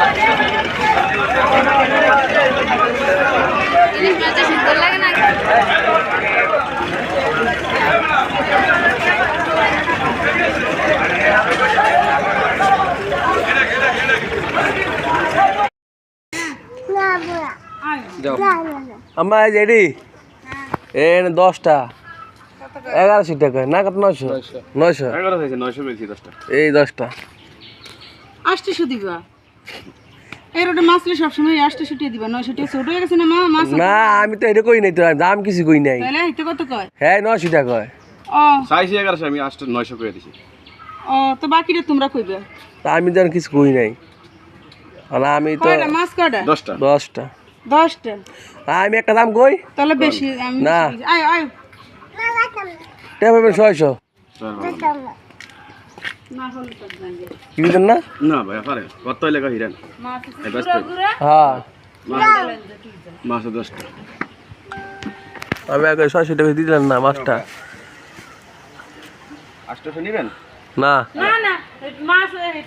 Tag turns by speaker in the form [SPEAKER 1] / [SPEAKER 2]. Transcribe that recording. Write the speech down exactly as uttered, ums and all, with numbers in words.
[SPEAKER 1] সুন্দর লাগে না
[SPEAKER 2] আম্মা জেডি এ দশটা এগারোশো টাকা না কত নয়শো নয়শো
[SPEAKER 3] এগারো হয়েছে নয়শো বেশি দশটা
[SPEAKER 2] এই দশটা
[SPEAKER 4] আটশো দিবা এই রোডে মাছ লে সবসময় আটশো টাকা দিবা নয়শো টাকা ছোট হয়ে গেছে না মা মাছ
[SPEAKER 2] না আমি তো এটা কই নাই তো দাম কিছু কই নাই
[SPEAKER 4] তাহলে এটা কত কয়
[SPEAKER 2] হ্যাঁ নয়শো টাকা কয়
[SPEAKER 4] ও
[SPEAKER 3] চাইছি এগারোশো আমি আটশো নয়শো করে দিছি
[SPEAKER 4] ও তো বাকিটা তোমরা কইবে
[SPEAKER 2] তা আমি তো আর কিছু কই নাই আর আমি তো
[SPEAKER 4] কয়টা মাছ কয়টা
[SPEAKER 3] দশটা
[SPEAKER 2] দশটা
[SPEAKER 4] দশটা
[SPEAKER 2] আমি একটা দাম কই
[SPEAKER 4] তাহলে বেশি আমি
[SPEAKER 2] না।
[SPEAKER 4] আয় আয়
[SPEAKER 2] টেপ পাবেন ছয়শো
[SPEAKER 4] না হলে তো জানবে
[SPEAKER 2] কি দিতেন না
[SPEAKER 3] না ভাই পারে কত লেখা হিরেন
[SPEAKER 4] মাছ
[SPEAKER 3] এই ব্যস্ত
[SPEAKER 2] হ্যাঁ
[SPEAKER 3] মাছ দশটা
[SPEAKER 2] আমি আগে ছয়শো টাকা দিলেন না মাছটা
[SPEAKER 3] আটশোশো নিবেন
[SPEAKER 2] না
[SPEAKER 4] না না মাছ